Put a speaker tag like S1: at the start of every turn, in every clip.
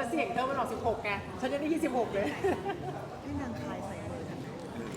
S1: เสียงเธอมันออก16ไงฉันยังได้26เลย
S2: ให้นางคายใส่มือฉันนะ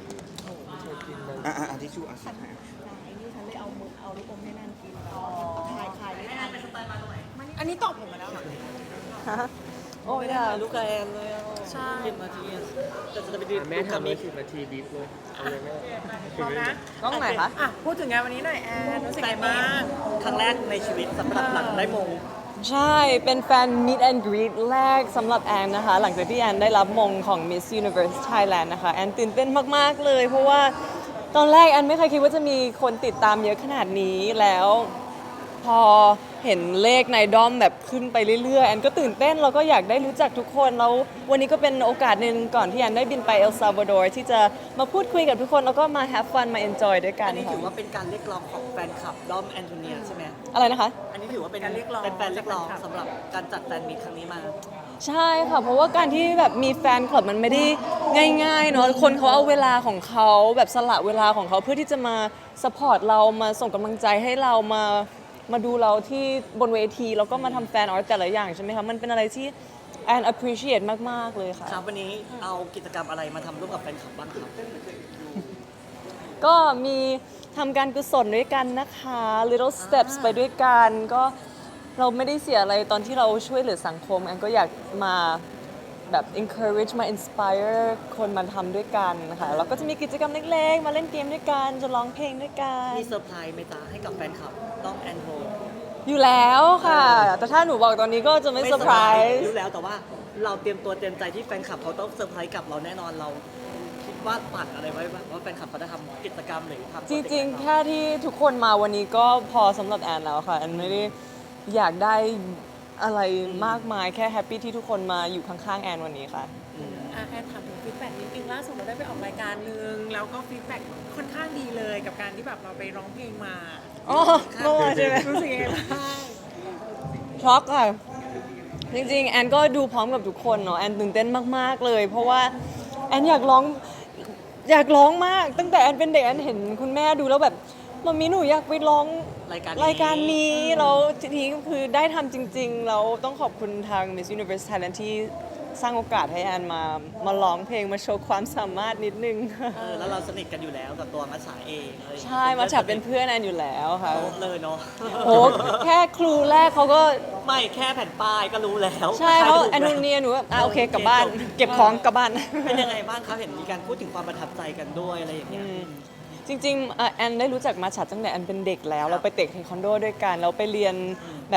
S3: ทิชชู่
S2: ฉันนางไอ้นี่ฉันเลยเอามือเอาลูกอมให้นางกินคายไม่ทัน
S1: อันนี้ตอบผมมาแล้วเหรอ
S4: โอ้ยด่าลูกกระแอนเลยอ่ะ
S1: ใช่
S4: 10 นาทีอะแต่จะไปดี
S5: แม่ทำเลย10 นาทีบีบเลยเอาเลยแม่
S1: พร้อมนะ
S4: กล้องไหนคะ
S1: อ่ะพูดถึงงานวันนี้หน่อยแอนรู้สึกไงบ้าง
S4: ครั้งแรกในชีวิตสำหรับหลังได้มง
S6: ใช่ เป็นแฟน Meet and Greet แรกสำหรับแอนนะคะ หลังจากที่แอนได้รับมงของ Miss Universe Thailand นะคะ แอนตื่นเต้นมาก ๆ เลย เพราะว่าตอนแรกแอนไม่เคยคิดว่าจะมีคนติดตามเยอะขนาดนี้แล้ว พอเห็นเลขในด้อมแบบขึ้นไปเรื่อยๆ แอนก็ตื่นเต้นแล้วก็อยากได้รู้จักทุกคน แล้ววันนี้ก็เป็นโอกาสหนึ่งก่อนที่แอนได้บินไปเอลซัลวาดอร์ที่จะมาพูดคุยกับทุกคน แล้วก็มา have fun มา enjoy ด้วยกั
S4: อั
S6: น
S4: นนี้
S6: ค่ะ
S4: ถือว่าเป็นการเรียกร้องของแฟนคลับด้อมแอนโทเนียใช่ไหม
S6: อะไรนะคะ
S4: อันนี้ถือว่าเป็นแฟนเรียกร้องสำหรับการจัดแฟนมีตครั้งนี้มา
S6: ใช่ค่ะ เพราะว่าการที่แบบมีแฟนคลับมันไม่ได้ง่ายๆเนาะคนเขาเอาเวลาของเขาแบบสละเวลาของเขาเพื่อที่จะมาสปอร์ตเรามาส่งกำลังใจให้เรามาดูเราที่บนเวทีแล้วก็มาทำแฟนอาร์ตแต่ละอย่างใช่ไหมคะมันเป็นอะไรที่แอน appreciate มากๆเลยค่ะ
S4: ครับวันนี้เอากิจกรรมอะไรมาทำร่วมกับแฟนคลับบ้างครับ
S6: ก็มีทำการกุศลด้วยกันนะคะ little steps ไปด้วยกันก็เราไม่ได้เสียอะไรตอนที่เราช่วยเหลือสังคมแอนก็อยากมาแบบ encourage มา inspire คนมาทำด้วยกันนะคะแล้วก็จะมีกิจกรรมเล็กๆ มาเล่นเกมด้วยกันจะร้องเพลงด้วยกัน
S4: มีเซอร์ไพรส์ไหมจ๊ะให้กับแฟนคลับด้อมแอนโท
S6: อยู่แล้วค่ะ แต่ถ้าหนูบอกตอนนี้ก็จะไม่เซอร์ไพรส์
S4: รู้แล้วแต่ว่าเราเตรียมตัวเตรียมใจที่แฟนคลับเขาต้องเซอร์ไพรส์กับเราแน่นอนเราคิดว่าปัดอะไรไว้บ้างว่าแฟนคลับเขาจะทำกิจกรรมหรือทำ
S6: จริงๆ แค่ที่ทุกคนมาวันนี้ก็พอสำหรับแอนแล้วค่ะแอนไม่ได้อยากได้อะไรมากมายแค่แฮปปี้ที่ทุกคนมาอยู่ข้างๆแอนวันนี้ค่ะ
S1: แอนถามถึงฟีดแบ็กนิดนึงล่าสุดเราได้ไปออกรายการนึงแล้วก็ฟีดแบ็กค่อนข้างดีเลยกับการที่แบบเราไปร้องเพลงมา
S6: อ๋อเมื่อวานใช่ไหม
S1: รู้สึกยังไงบ้าง
S6: ช็อกค่ะ จริงๆ แอนก็ดูพร้อมกับทุกคนเนาะแอนตื่นเต้นมากๆเลย เพราะว่าแอนอยากร้องมาก ตั้งแต่แอนเป็นเด็กแอนเห็นคุณแม่ดูแล้วแบบมัมมี่หนูอยากไปร้องรายการนี้แล้วทีนี้ก็คือได้ทำจริงๆแล้วต้องขอบคุณทาง Miss Universe Thailand ที่สร้างโอกาสให้แอนมาร้องเพลงมาโชว์ความสามารถนิดนึง
S4: แล้วเราสนิทกันอยู่แล้วกับตัวมัชฉาเองอะไรอย่างเงี้ย
S6: ใช่มาฉับเป็นเพื่อนแอนอยู่แล้วค่ะ
S4: โต๊ะเลยเนาะ
S6: โอ้แค่ครูแรกเขาก็
S4: ไม่แค่แผ่นป้ายก็รู้แล้ว
S6: ใช่เขา
S4: ใครถูก
S6: แอนโทเนียหนูแบบโอเคกลับบ้าน
S4: จบ
S6: เก็บของกลับบ้าน
S4: เป็นยังไงบ้างครับเห็นมีการพูดถึงความประทับใจกันด้วยอะไรอย่างเงี้ย
S6: จริงๆแอนได้รู้จักมาฉัดตั้งแต่แอนเป็นเด็กแล้ว เราไปเตะเทควันโดด้วยกันเราไปเรียนแบบ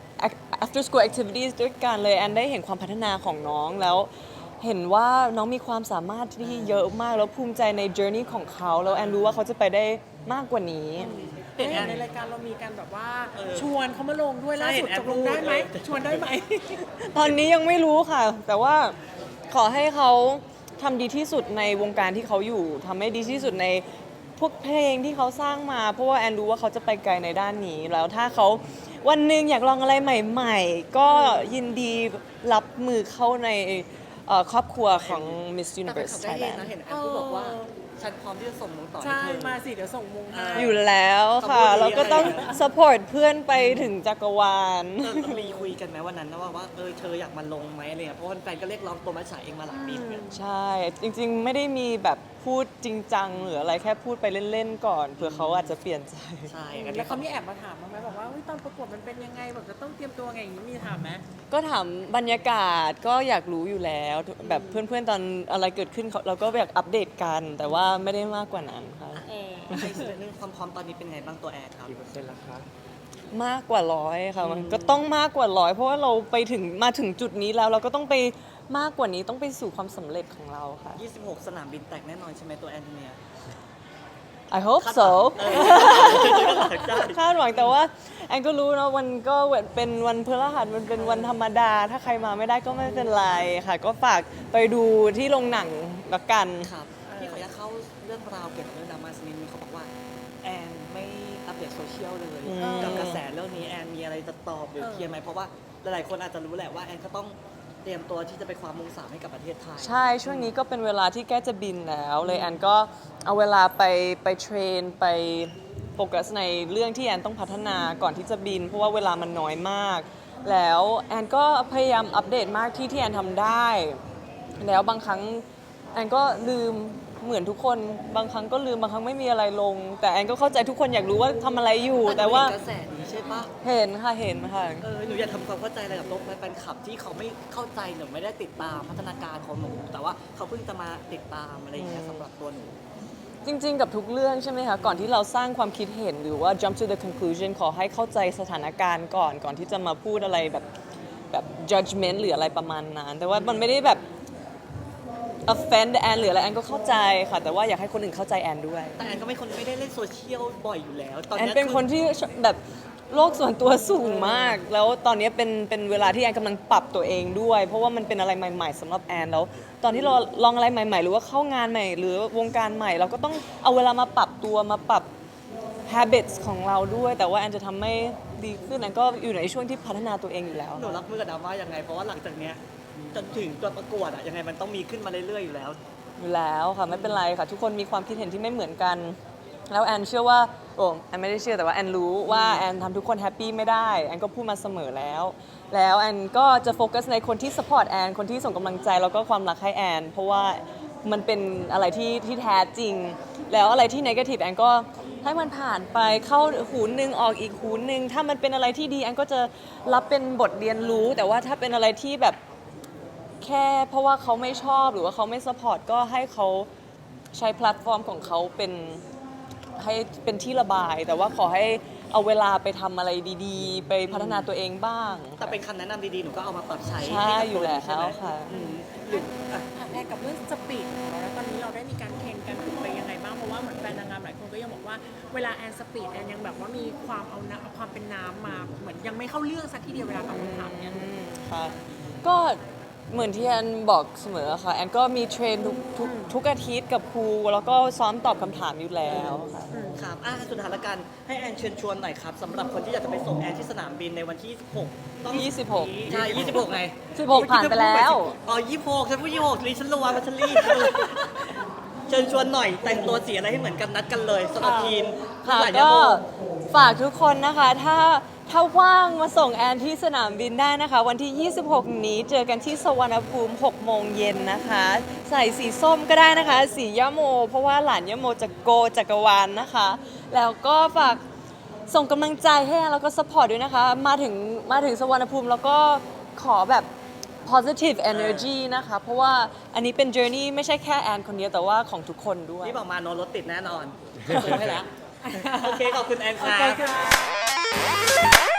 S6: after school activities ด้วยกันเลยแอนได้เห็นความพัฒนาของน้องแล้ว เห็นว่าน้องมีความสามารถที่เยอะมากแล้วภูมิใจใน journey ของเขาแล้วแอนรู้ว่าเขาจะไปได้มากกว่านี้
S1: เห็นในรายการเรามีการแบบว่าชวนเขามาลงด้วยล่าสุดตกลงได้ไหมชวนได้ไหม
S6: ตอนนี้ยังไม่รู้ค่ะ แต่ว่าขอให้เขาทำดีที่สุดในวงการที่เขาอยู่ทำให้ดีที่สุดในพวกเพลงที่เขาสร้างมา เพราะว่าแอนรู้ว่าเขาจะไปไกลในด้านนี้ แล้วถ้าเขาวันหนึ่งอยากลองอะไรใหม่ๆ ก็ยินดีรับมือเข้าในครอบครัวของ Miss
S4: แต่แฟน
S6: Universe
S4: คลับได้เห็น
S6: Thailand
S4: นะเห็นแอนพูดบอกว่าฉันพร้อมที่จะส่งมงต่อให้
S1: ใช่
S4: เธอ
S1: มาสิเดี๋ยวส่งมงให้
S6: อยู่แล้วค่ะ
S4: ขอบคุณ
S6: เราก็ต้อง
S4: อะไรนะ
S6: support เพื่อนไปถึงจักรวาล
S4: มีคุยกันไหมวันนั้นนะว่าเธออยากมาลงไหมอะไรเงี้ยเพราะว่าแฟนก็เรียกร้องตัวมัชฉาเองมาหลายปีเหมือนกัน
S6: ใช่ จริงๆ ไม่ได้มีแบบพูดจริงจังหรืออะไรแค่พูดไปเล่นๆ ก่อนเผื่อเขาอาจจะเปลี่ยนใจ
S4: ใช่อัน
S1: แล้
S4: นี้
S1: วเขามีแอบมาถามบ้างไหมบอกว่าตอนประกวดมันเป็นยังไงแบบจะต้องเตรียมตัวไงอย่างนี้มีถามไหม
S6: ก็ถามบรรยากาศก็อยากรู้อยู่แล้ว แบบเพื่อนๆ ตอนอะไรเกิดขึ้นเราก็อยากอัปเดตกัน แต่ว่าไม่ได้มากกว่านั้นค่ะ
S4: อีกส่วนหนึงความพร้อมตอนนี้เป็นไงบ้างตัวแอนครับ
S5: กี่เปอร์เซ็นต์ละคะ
S6: มากกว่า100ค่ะมันก็ต้องมากกว่า100เพราะว่าเราไปถึงมาถึงจุดนี้แล้วเราก็ต้องไปมากกว่านี้ต้องไปสู่ความสำเร็จของเราค่ะ
S4: 26 สนามบินแตกแน่นอนใช่ไหมตัวแอนโทเนีย
S6: I hope so
S4: ใช่
S6: คาดหวังแต่ว่าแอนก็รู้นะวันก็เป็นวันพฤหัสมันเป็นวันธรรมดา ถ้าใครมาไม่ได้ก็ไม่เป็นไรค่ะ ก็ฝากไปดูที่โรงหนังละกัน
S4: ครับพี่ขออนุญาตเข้าเรื่องราวเกี่ยวกับเรื่องดราม่าสักนิดนึงเขาบอกว่าแอนไม่อัปเดตโซเชียลเลย กับกระแสเรื่องนี้แอนมีอะไรจะตอบหรือเคลียร์ไหมเพราะว่าหลายๆคนอาจจะรู้แหละว่าแอนก็ต้องเตรียมตัวที่จะไปคว้ามงสามให้กับประเทศไทย
S6: ใช่ช่วงนี้ก็เป็นเวลาที่ใกล้จะบินแล้วเลยแอนก็เอาเวลาไปเทรนไปโฟกัสในเรื่องที่แอนต้องพัฒนาก่อนที่จะบิน เพราะว่าเวลามันน้อยมากแล้วแอนก็พยายามอัปเดตมากที่แอนทำได้ แล้วบางครั้งแอนก็ลืมเหมือนทุกคนบางครั้งก็ลืมบางครั้งไม่มีอะไรลง แต่แอนก็เข้าใจทุกคนอยากรู้ว่าทำอะไรอยู่ แต่ว่า
S4: กระแสนี้ใช่ปะ
S6: เห็นค่ะ
S4: หนูอยากทำความเข้าใจอะไรกับโลกแฟนคลับที่เขาไม่เข้าใจหนูไม่ได้ติดตามพัฒนาการของหนูแต่ว่าเขาเพิ่งจะมาติดตามอะไรอย่างเงี้ยสำหรับตัวหนู
S6: จริงๆ กับทุกเรื่องใช่ไหมคะ ก่อนที่เราสร้างความคิดเห็นหรือว่า jump to the conclusion ขอให้เข้าใจสถานการณ์ก่อนที่จะมาพูดอะไรแบบ judgment หรืออะไรประมาณนั้น แต่ว่ามันไม่ได้แบบ offend แอนหรืออะไรแอนก็เข้าใจค่ะ แต่ว่าอยากให้คนอื่นเข้าใจแอนด้วย
S4: แต่แอนก็ไม่คนไม่ได้เล่นโซเชียลบ่อยอยู่แล้ว ตอน
S6: แอน
S4: นี้ย
S6: เป็นคนที่แบบโลกส่วนตัวสูงมาก แล้วตอนนี้เป็นเวลาที่แอนกำลังปรับตัวเองด้วย เพราะว่ามันเป็นอะไรใหม่ๆสำหรับแอนแล้ว ตอนที่เราลองอะไรใหม่ๆ หรือว่าเข้างานใหม่ หรือวงการใหม่ เราก็ต้องเอาเวลามาปรับตัวมาปรับ habits ของเราด้วย แต่ว่าแอนจะทำให้ดีขึ้นแอนก็อยู่ในช่วงที่พัฒนาตัวเองอยู่แล้ว
S4: หนูรับมือกับดราม่ายังไง เพราะว่าหลังจากเนี้ยจนถึงตัวประกวดอะยังไงมันต้องมีขึ้นมาเรื่อยๆอยู่แล้ว
S6: อยู่แล้วค่ะไม่เป็นไรค่ะ ทุกคนมีความคิดเห็นที่ไม่เหมือนกัน แล้วแอนเชื่อว่าแอนไม่ได้เชื่อแต่ว่าแอนรู้ว่าแอนทำทุกคนแฮปปี้ไม่ได้แอนก็พูดมาเสมอแล้วแอนก็จะโฟกัสในคนที่สปอร์ตแอนคนที่ส่งกำลังใจแล้วก็ความรักให้แอนเพราะว่ามันเป็นอะไรที่แท้จริง แล้วอะไรที่นกาทีฟแอนก็ให้มันผ่านไปเข้าหูหนึ่งออกอีกหูหนึ่งถ้ามันเป็นอะไรที่ดีแอนก็จะรับเป็นบทเรียนรู้ แต่ว่าถ้าเป็นอะไรที่แบบ แค่เพราะว่าเขาไม่ชอบหรือว่าเขาไม่สปอร์ตก็ให้เขาใช้แพลตฟอร์มของเขาให้เป็นที่ระบาย แต่ว่าขอให้เอาเวลาไปทำอะไรดีๆ ไปพัฒนาตัวเองบ้าง
S4: แต่เป็นคำแนะนำดีๆ หนูก็เอามาปรับใช้
S6: ใช่
S4: ห้กับ
S6: อยู่แล้ว
S4: ใช่ไหม
S6: ค่ะ
S4: หรืออ่ะ
S1: แอนกับเรื่องสปีดของเราแล้วตอนนี้เราได้มีการเทรนกันฝึกไปยังไงบ้างเพราะว่าเหมือนแฟนนางงามหลายคนก็ยังบอกว่าเวลาแอนสปีดแอนยังแบบว่ามีความเอาความเป็นน้ำมาเหมือนยังไม่เข้าเรื่องสักทีเดียวเวลาตอบคำถามเนี่ย
S6: ค่ะก็เหมือนที่แอนบอกเสมอค่ะแอนก็มีเทรนทุกอาทิตย์กับครูแล้วก็ซ้อมตอบคำถามอยู่แล้วค่ะ
S4: ครับสุดท้ายละกันให้แอนเชิญชวนหน่อยครับสำหรับคนที่อยากจะไปส่งแอนที่สนามบินในวันที่ 26ต้อง
S6: 26
S4: ใช่26ไง
S6: 16ผ่านไปแล้ว
S4: อ๋อ26ฉันพูด26ลีฉันระวังว่าฉันรีบเชิญชวนหน่อยแต่งตัวสีอะไรให้เหมือนกันนัดกันเลยสำหรับทีม
S6: ค่ะ
S4: หลาย
S6: ก็
S4: โม
S6: ฝากทุกคนนะคะถ้าว่างมาส่งแอนที่สนามบินได้นะคะ วันที่ 26 นี้เจอกันที่สวรรณภูมิ 6 โมงเย็นนะคะ ใส่สีส้มก็ได้นะคะ สียะโม เพราะว่าหลานยะโมจะโกจักรวาลนะคะ แล้วก็ฝากส่งกำลังใจให้แอนแล้วก็สปอร์ตด้วยนะคะ มาถึงสวรรณภูมิแล้วก็ขอแบบ positive energy นะคะ เพราะว่าอันนี้เป็น journey ไม่ใช่แค่แอนคนเดียวแต่ว่าของทุกคนด้วย
S4: นี่บอกมาโนรถติดแน่นอนซื้อให้แล้ว โอเค ขอบคุณแอนครั
S1: โอเค
S4: บ
S1: ค่ะ